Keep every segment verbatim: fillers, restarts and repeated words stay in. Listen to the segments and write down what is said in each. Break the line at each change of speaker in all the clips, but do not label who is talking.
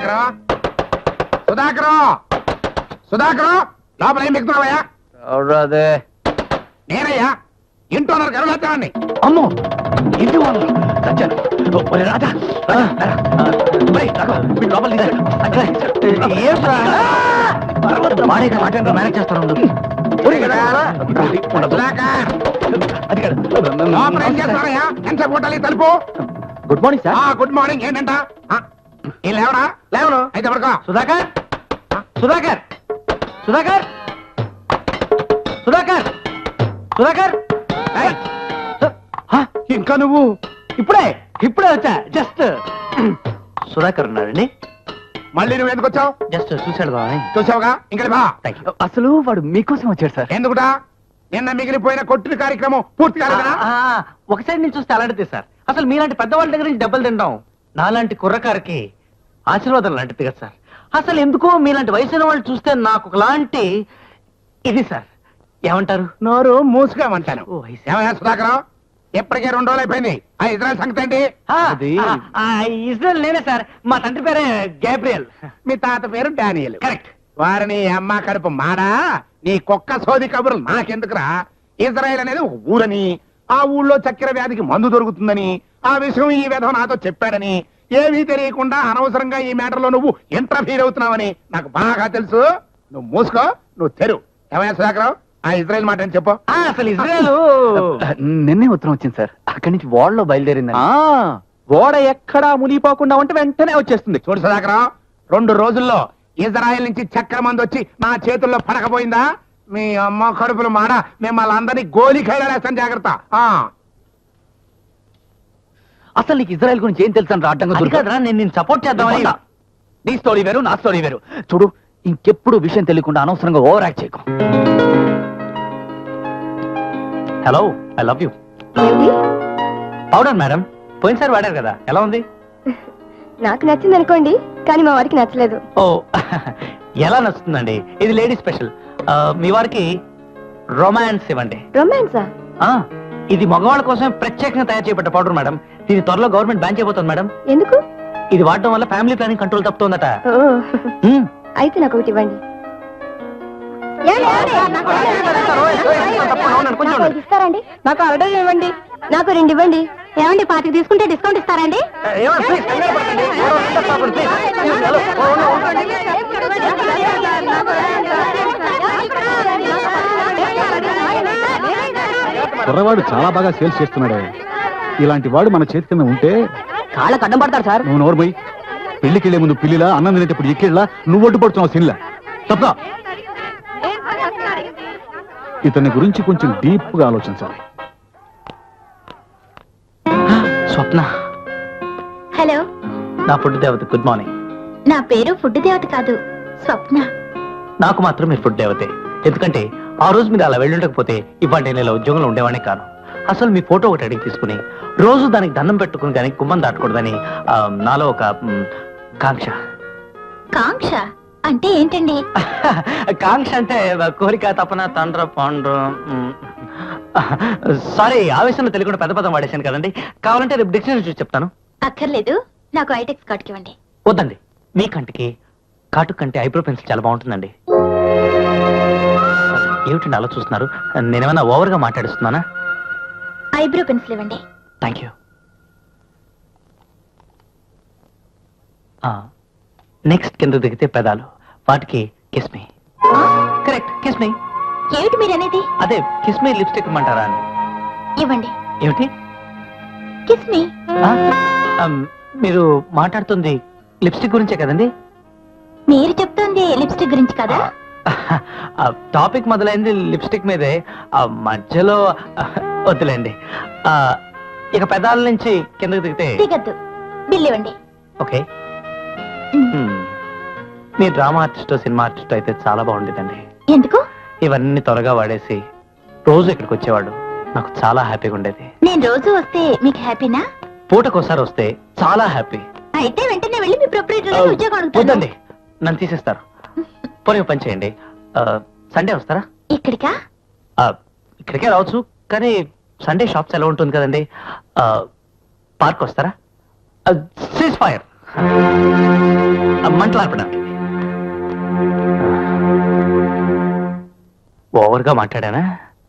సుధాకర్ సుధాకర్ సుధాకర్ లోపల ఏం ఎక్కుతున్నావయ్యా?
అదే
నేనయ్యా ఇంట్లో గరుడాచారాన్ని.
అమ్మో ఇంటి వాళ్ళు చచ్చాను. ఒరే రాజా లోపల మేనేజ్ చేస్తాను.
తలుపు.
Good morning sir.
Good morning. ఏంటంట లేవరా? లేవను అయితే పడుకో.
సుధాకర్ సుధాకర్ సుధాకర్ సుధాకర్ సుధాకర్ ఇంకా నువ్వు ఇప్పుడే ఇప్పుడే వచ్చా. జస్ట్ సుధాకర్ ఉన్నాడండి.
మళ్ళీ నువ్వు ఎందుకు వచ్చావు?
జస్ట్ చూశాడు బాగా.
చూసావుగా ఇంకా బా.
అసలు వాడు మీకోసం వచ్చాడు సార్.
ఎందుకుటా? నిన్న మిగిలిపోయిన కొట్టుడు కార్యక్రమం పూర్తి కాలేదా?
ఒక సైడ్ నుంచి చూస్తే అలాంటిది సార్. అసలు మీలాంటి పెద్దవాళ్ళ దగ్గర నుంచి దెబ్బలు తింటాం నాలాంటి కుర్రకారికి ఆశీర్వాదం లాంటిది కదా సార్. అసలు ఎందుకో మీలాంటి వయసున్న వాళ్ళు చూస్తే నాకు ఒకలాంటి ఇది సార్. ఏమంటారు?
నోరు మూసుకామంటాను. ఏమయ్యా సుధాకర్, ఎప్పటికే రెండు రోజులు అయిపోయింది. ఆ ఇజ్రాయల్ సంగతి ఏంటి?
ఇజ్రాయల్ నేనే సార్. మా తండ్రి పేరే గ్యాబ్రియల్.
మీ తాత పేరు డానియల్.
కరెక్ట్.
వారిని అమ్మ కడుపు మాడా. నీ కుక్క సోది కబుర్లు నాకెందుకురా? ఇజ్రాయల్ అనేది ఒక ఊరని, ఆ ఊళ్ళో చక్కెర వ్యాధికి మందు దొరుకుతుందని, ఆ విషయం ఈ విధం నాతో చెప్పాడని, ఏమీ తెలియకుండా అనవసరంగా ఈ మ్యాటర్ లో నువ్వు ఇంటర్ఫీర్ అవుతున్నావని నాకు బాగా తెలుసు. నువ్వు మూసుకో, నువ్వు తెరు. ఏమయ్యా సుధాకర్, ఆ ఇజ్రాయల్ మాట అని చెప్పు.
అసలు ఇజ్రాయల్ నిన్నే ఉత్తరం వచ్చింది సార్. అక్కడి నుంచి ఓడలో బయలుదేరింది. ఓడ ఎక్కడా మునిగిపోకుండా ఉంటే వెంటనే వచ్చేస్తుంది.
చూడు సుధాకర్, రెండు రోజుల్లో ఇజ్రాయల్ నుంచి చక్కెర మంది వచ్చి నా చేతుల్లో పడకపోయిందా మీ అమ్మ కడుపులు మాడ మిమ్మల్ని అందరినీ గోలి ఖైలేస్తాను. జాగ్రత్త.
అసలు నీకు ఇజ్రాయల్ గురించి ఏం తెలుసు? అడ్డంగా నేను నేను సపోర్ట్ చేద్దామని. నీ స్టోరీ వేరు, నా స్టోరీ వేరు. చూడు, ఇంకెప్పుడు విషయం తెలియకుండా అనవసరంగా ఓవర్ యాక్ట్ చేయకు. Hello, I love you. Powder madam, పోయినసారి వాడారు కదా, ఎలా ఉంది?
నాకు నచ్చింది అనుకోండి, కానీ మా వారికి నచ్చలేదు.
ఓ ఎలా నచ్చుతుందండి? ఇది లేడీ స్పెషల్. మీ వారికి రొమాన్స్ ఇవ్వండి.
రొమాన్సా?
ఇది మగవాళ్ళ కోసం ప్రత్యేకంగా తయారు చేయబడ్డ పౌడర్ మేడం. దీని త్వరలో గవర్నమెంట్ బ్యాన్ చేయబోతుంది మేడం.
ఎందుకు?
ఇది వాడడం వల్ల ఫ్యామిలీ ప్లానింగ్ కంట్రోల్ తప్పుతుందట.
అయితే నాకు ఒకటి ఇవ్వండి. ఇస్తారండి? నాకు ఆర్డర్ ఇవ్వండి. నాకు రెండు ఇవ్వండి. ఏమండి, పాతికి తీసుకుంటే డిస్కౌంట్ ఇస్తారండి?
కుర్రవాడు చాలా బాగా సేల్స్ చేస్తున్నాడే. ఇలాంటి వాడు మన చేతి కింద ఉంటే
కాళ్ళకు అడ్డం పడతారు సార్.
నువ్వు నోర్మై. పెళ్లికెళ్లే ముందు పిల్లిలా, అన్నం తినేటప్పుడు ఎక్కిళ్ళ నువ్వు ఒడ్డు పడుతున్నావు సిన్లా. తప్ప ఇతని గురించి కొంచెం డీప్ గా ఆలోచించాలి.
స్వప్న.
హలో.
నా ఫుడ్ దేవత. Good morning.
నా పేరు ఫుడ్ దేవత కాదు, స్వప్న.
నాకు మాత్రం మీరు ఫుడ్ దేవతే. ఎందుకంటే ఆ రోజు మీరు అలా వెళ్ళుండకపోతే ఇవాళ నేను ఇలా ఉద్యోగంలో ఉండేవాడిని కాను. అసలు మీ ఫోటో ఒకటి అడిగి తీసుకుని రోజు దానికి దండం పెట్టుకుని కానీ గుమ్మం దాటకూడదని నాలో ఒక కాంక్ష.
కాంక్ష అంటే ఏంటండి?
కాంక్ష అంటే కోరిక, తపన, తండ్ర, పాండ్ర. సారీ, ఆవేశంలో తెలియకుండా పెద్ద పదం వాడేశాను కదండి. కావాలంటే రేపు డిక్షనరీ చూసి చెప్తాను.
అక్కర్లేదు, నాకు ఐటెక్స్ కాటుకి ఇవ్వండి.
వద్దండి, మీ కంటికి కాటు కంటే ఐబ్రో పెన్సిల్ చాలా బాగుంటుందండి. ఏమిటండి అలా చూస్తున్నారు? నేనేమన్నా ఓవర్గా మాట్లాడిస్తున్నానా?
ఐబ్రో పెన్సిల్ ఇవ్వండి.
Thank you. నెక్స్ట్ కింద దిగితే పెదాలు, వాటికి kiss me. Correct, kiss me.
ఏమిటి మీరు అనేది?
అదే కిస్ మీ లిప్స్టిక్ ఇమ్మంటారా అని.
ఇవ్వండి.
ఏమిటి?
Kiss me.
మీరు మాట్లాడుతుంది లిప్స్టిక్ గురించే కదండి?
మీరు చెప్తుంది లిప్స్టిక్ గురించి కదా?
టాపిక్ మొదలైంది లిప్స్టిక్ మీదే, మధ్యలో వద్దులేండి. ఇక పెదాల నుంచి కిందకి దిగితే
దిగద్దు. బిల్ ఇవ్వండి.
ఓకే. మీ డ్రామా ఆర్టిస్ట్, సినిమా ఆర్టిస్ట్ అయితే చాలా బాగుండేదండి.
ఎందుకు?
ఇవన్నీ త్వరగా వాడేసి రోజు ఇక్కడికి వచ్చేవాడు. నాకు చాలా హ్యాపీగా ఉండేది.
నేను రోజు వస్తే మీకు హ్యాపీనా?
పూటకోసారి వస్తే చాలా హ్యాపీ.
అయితే వెంటనే వెళ్ళి మీ ప్రొపరేటర్ ఉద్యోగం అడుగుతాను.
వద్దండి, నన్ను తీసేస్తారు. పోనీ పని చేయండి, సండే వస్తారా?
ఇక్కడికా?
ఇక్కడికే రావచ్చు, కానీ సండే షాప్స్ ఎలా ఉంటుంది కదండి. పార్క్ వస్తారా? Cease fire. మంటలార్పడానికి ఓవర్గా మాట్లాడానా?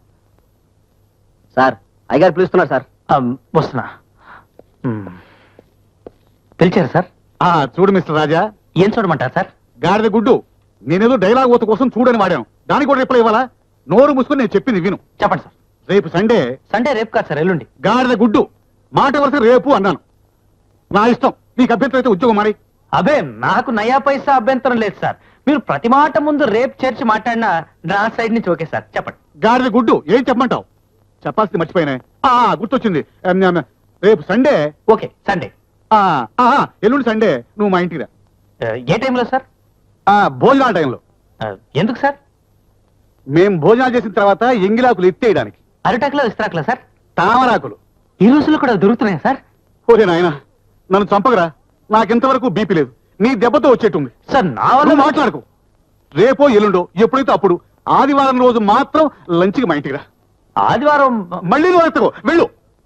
సార్ అయ్యగారు పిలుస్తున్నారు సార్.
ఆ, వస్తున్నా. మ్. పిలిచారా సార్?
ఆ చూడు మిస్టర్ రాజా,
ఏం చూడమంటారు సార్?
గాడిద గుడ్డు, నేనేదో డైలాగ్ ఓత కోసం చూడని వాడాను, దానికి కూడా రిప్లై ఇవ్వాలా? నోరు మూసుకొని నేను చెప్పింది విను.
చెప్పండి సార్.
రేపు సండే.
సండే రేపు కాదు సార్, ఎల్లుండి.
గాడిద గుడ్డు మాట వరుస రేపు అన్నాను. నా ఇష్టం, నీకు అభ్యంతరం అయితే ఉద్యోగం మరి.
అబే నాకు నయా పైసా అభ్యంతరం లేదు సార్. మీరు ప్రతి మాట ముందు రేపు చేర్చి మాట్లాడినా నా సైడ్ నుంచి ఓకే సార్. చెప్పండి.
గాడిద గుడ్డు ఏం చెప్పమంటావు? చెప్పాల్సింది మర్చిపోయినా. ఆ గుర్తొచ్చింది. ఎం, ఎం, రేపు సండే.
Okay Sunday.
ఆ, ఆ, ఎల్లుండి సండే నువ్వు మా ఇంటికి రా.
ఆ, ఏ టైంలో సార్?
ఆ, భోజనాల టైంలో.
ఆ, ఎందుకు సార్?
మేం భోజనాలు చేసిన తర్వాత ఎంగిలాకులు ఎత్తేయడానికి.
అరిటాకులో ఇస్త్రాకులా సార్?
తామరాకులు.
ఈ రోజుల్లో కూడా దొరుకుతున్నాయా సార్?
ఓరే నాయన, నన్ను చంపగరా, నాకింతవరకు బీపీ లేదు. నీ దెబ్బతో వచ్చేట్టుంది.
సార్ నా
నువ్వు
వల్ల
మాట్లాడుకో. రేపో ఎల్లుండో ఎప్పుడైతే అప్పుడు ఆదివారం రోజు మాత్రం లంచ్కి మా ఇంటికి రా.
ఆదివారం
మళ్ళీ నువ్వు ఎత్తకో, వెళ్ళు.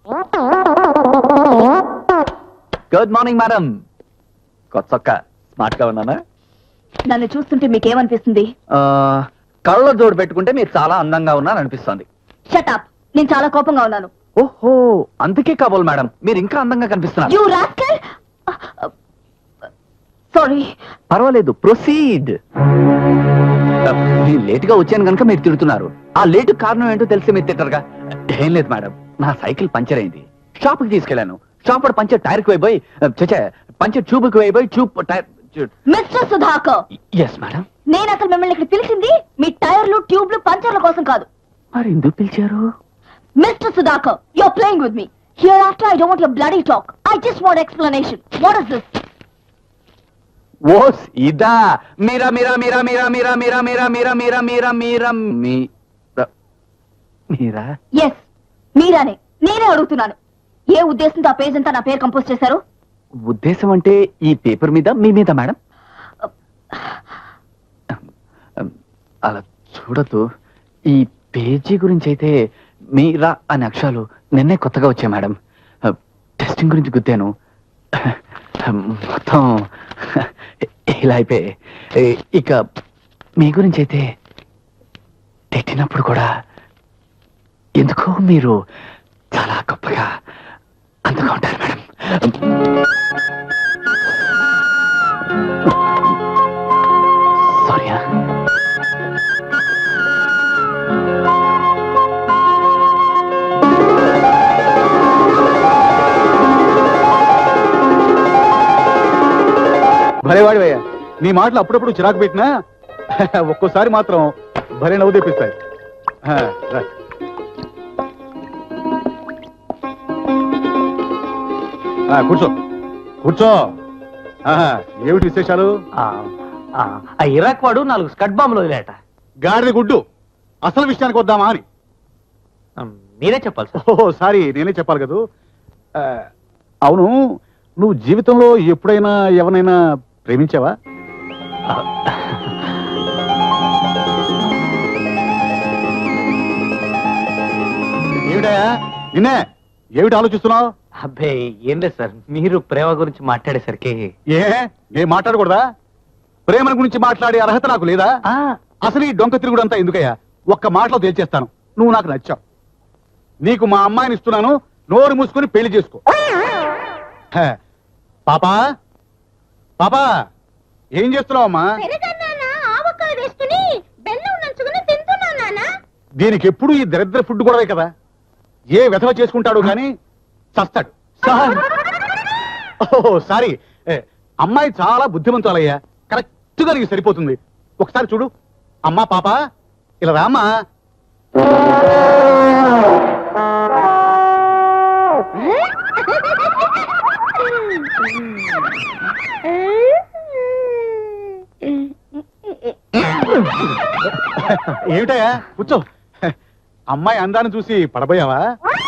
Good morning madam. కొత్త స్మార్ట్ గా ఉన్నానా?
నన్ను చూస్తుంటే మీకేమనిపిస్తుంది?
కళ్ళ జోడు పెట్టుకుంటే మీరు చాలా అందంగా ఉన్నారని అనిపిస్తుంది.
షటప్, నేను చాలా కోపంగా ఉన్నాను.
ఓహో, అందుకే కాబోలు మేడం మీరు ఇంకా అందంగా కనిపిస్తున్నారు.
You rascal. సారీ.
పర్వాలేదు, ప్రొసీడ్. నేను లేట్ గా వచ్చాను కనుక మీరు తిడుతున్నారు. ఆ లేటు కారణం ఏంటో తెలిసి మీరు తిట్టరుగా. ఏం లేదు మేడం, నా సైకిల్ పంచర్ అయింది. షాప్ కి తీసుకెళ్లాను. షాప్ పంచర్ టైర్ కి వైపోయి చచ్చే పంచర్ ట్యూబ్ కి వైపోయి tube tyre.
Mister Sudhakar,
yes madam.
నేను అసలు మిమ్మల్ని ఇక్కడ పిలిచింది మీ టైర్లు ట్యూబ్లు పంచర్ల కోసం కాదు.
మరి ఎందుకు పిలిచారు?
Mister Sudhakar, you are playing with me. Hereafter I don't want your bloody talk. I just want explanation. What is this?
ఓస్ ఇదా? మీరా మీరా మీరా మీరా మీరా మీరా మీరా మీరా మీరా మీరా మీరా మీరా మీరా
ఎస్, మీరానే. నేనే అడుగుతున్నాను, ఏ ఉద్దేశంతో ఆ పేజ్ అంతా నా పేరు కంపోజ్ చేశారు?
ఉద్దేశం అంటే ఈ పేపర్ మీద మీ మీద మేడం. అలా చూడద్దు. ఈ పేజీ గురించి అయితే మీరా అనే అక్షరాలు నిన్నే కొత్తగా వచ్చాయి మేడం. టెస్టింగ్ గురించి గుద్దాను, మొత్తం ఇలా అయిపోయి. ఇక మీ గురించి అయితే తిట్టినప్పుడు కూడా ఎందుకో మీరు చాలా గొప్పగా అందంగా ఉంటారు మేడం. సారీ.
భలేవాడివయ్యా, నీ మాటలు అప్పుడప్పుడు చిరాకు పెట్టినా ఒక్కోసారి మాత్రం భలే నవ్వు తెప్పిస్తాయి. ఆ, రా. ఆ, కూర్చో కూర్చో. ఆహా, ఏమిటి విశేషాలు?
ఆ, ఆ, ఆ ఇరాక్ వాడు నాలుగు స్కట్ బాంబులు వదిలేట.
గాడిద గుడ్డు, అసలు విషయానికి వద్దామా అని.
ఆ, మీరే చెప్పాలి సార్.
ఓహో సారీ, నేనే చెప్పాలి కదూ. ఆ, అవును, నువ్వు జీవితంలో ఎప్పుడైనా ఎవరైనా ప్రేమించావా?
ఆ,
ఏమిటయా నిన్నే, ఏమిటి ఆలోచిస్తున్నావు?
అబ్బే ఏం లేదు సార్, మీరు ప్రేమ గురించి మాట్లాడేసరికి
ఏ నేను మాట్లాడకూడదా? ప్రేమ గురించి మాట్లాడే అర్హత నాకు లేదా?
ఆ,
అసలు ఈ డొంక తిరుగుడంతా ఎందుకయ్యా? ఒక్క మాటలో తేల్చేస్తాను, నువ్వు నాకు నచ్చావు. నీకు మా అమ్మాయిని ఇస్తున్నాను, నోరు మూసుకొని పెళ్లి చేసుకో. హే, పాపా పాపా ఏం చేస్తున్నావు అమ్మా? దీనికి ఎప్పుడు ఈ దరిద్ర ఫుడ్ గొడవే కదా. ఏ వెధవ చేసుకుంటాడు కానీ చస్తాడు.
సార్
ఓహో సారీ, ఏ, అమ్మాయి చాలా బుద్ధిమంతులయ్యా, కరెక్ట్ గా నీకు సరిపోతుంది. ఒకసారి చూడు. అమ్మా పాప ఇలా రామ్మా. ఏమిటయా కూర్చో. అమ్మాయి అందాన్ని చూసి పడబోయావా?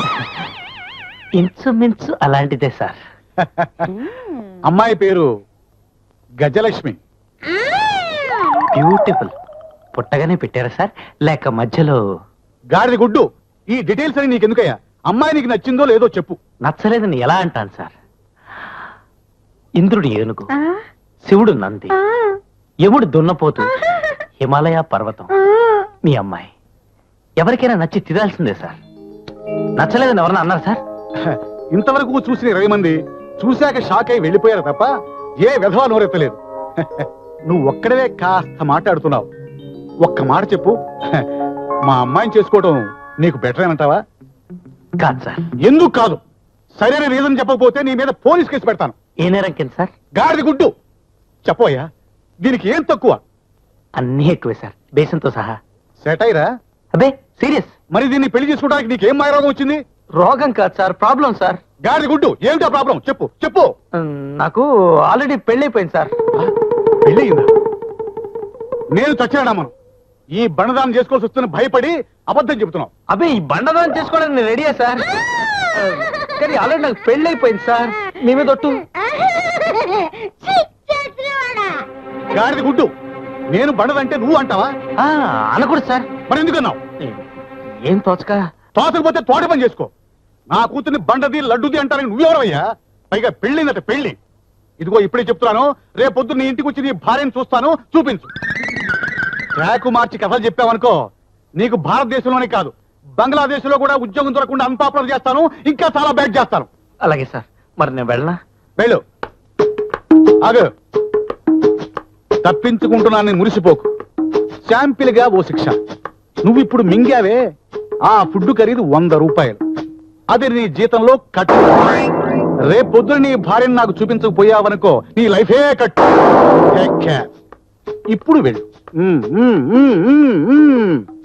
ఇంచుమించు అలాంటిదే సార్.
అమ్మాయి పేరు గజలక్ష్మి.
బ్యూటిఫుల్. పుట్టగానే పెట్టారా సార్, లేక మధ్యలో?
గాడిద గుడ్డు, ఈ డీటెయిల్స్ అని నీకెందుకయ్యా? అమ్మాయి నీకు నచ్చిందో లేదో చెప్పు.
నచ్చలేదని ఎలా అంటాను సార్? ఇంద్రుడి ఏనుగు, శివుడు నంది, యముడు దున్నపోతు, హిమాలయ పర్వతం, మీ అమ్మాయి. ఎవరికైనా నచ్చి తీరాల్సిందే సార్. నచ్చలేదని ఎవరన్నా అన్నారు సార్?
ఇంతవరకు చూసిన ఇరవై మంది చూశాక షాక్ అయి వెళ్ళిపోయారు తప్ప ఏ విధవా నోరెత్తలేదు. నువ్వు ఒక్కడవే కాస్త మాట్లాడుతున్నావు. ఒక్క మాట చెప్పు, మా అమ్మాయిని చేసుకోవడం నీకు బెటర్ ఏమంటావా?
కాదు సార్.
ఎందుకు కాదు? సరైన రీజన్ చెప్పకపోతే నీ మీద పోలీస్ కేసు పెడతాను.
ఏ నేరం కింద సార్?
గాడిది గుడ్డు. చెప్పోయ్యా, దీనికి ఏం తక్కువ?
అన్నీ ఎక్కువే సార్, బేసంతో సహా.
సెటైరా?
అబ్బే సీరియస్.
మరి దీన్ని పెళ్లి చేసుకోవడానికి నీకేం మాయరోగం వచ్చింది?
రోగం కాదు సార్, ప్రాబ్లం సార్.
గాడిది గుడ్డు, ఏమిటా ప్రాబ్లం? చెప్పు చెప్పు.
ఉమ్, నాకు ఆల్రెడీ పెళ్ళైపోయింది సార్.
పెళ్ళయిందా? నేను చచ్చాడమ్మను. ఈ బండదానం చేసుకోవాల్సి వస్తున్న భయపడి అబద్ధం చెబుతున్నావు.
అబ్బే ఈ బండదానం చేసుకోవడానికి నేను రెడీయా సార్, కానీ ఆల్రెడీ నాకు పెళ్ళైపోయింది సార్. మీ మీద ఒట్టు.
గాడిది గుడ్డు, నేను బండదంటే నువ్వు అంటావా?
ఆ, అనకూడదు సార్.
మరి ఎందుకన్నావు?
ఏం తోచక.
తోచకపోతే తోట పని చేసుకో. నా కూతుర్ని బండది లడ్డుది అంటారని నువ్వెవరవయ్యా? పైగా పెళ్ళిందట పెళ్లి. ఇదిగో ఇప్పుడే చెప్తున్నాను, రేపొద్దు నీ ఇంటికి వచ్చి నీ భార్యను చూస్తాను, చూపించు. ట్రాకు మార్చి కథలు చెప్పావనుకో, నీకు భారతదేశంలోనే కాదు బంగ్లాదేశ్ లో కూడా ఉద్యోగం దొరకకుండా అన్పాపులర్ చేస్తాను, ఇంకా చాలా బ్యాడ్ చేస్తాను.
అలాగే సార్, మరి నేను వెళ్ళనా?
వెళ్ళు. ఆగు. తప్పించుకుంటున్నాను మురిసిపోకు. శాంపిల్ గా ఓ శిక్ష. నువ్వు ఇప్పుడు మింగావే, ఆ ఫుడ్ ఖరీదు వంద రూపాయలు. అది నీ జీతంలో కట్టు. రేపొద్దున నీ భార్యను నాకు చూపించకపోయావనుకో, నీ లైఫే కట్టు. Take care. ఇప్పుడు వెళ్ళు. ఉమ్, ఉమ్, ఉమ్, ఉమ్, ఉమ్.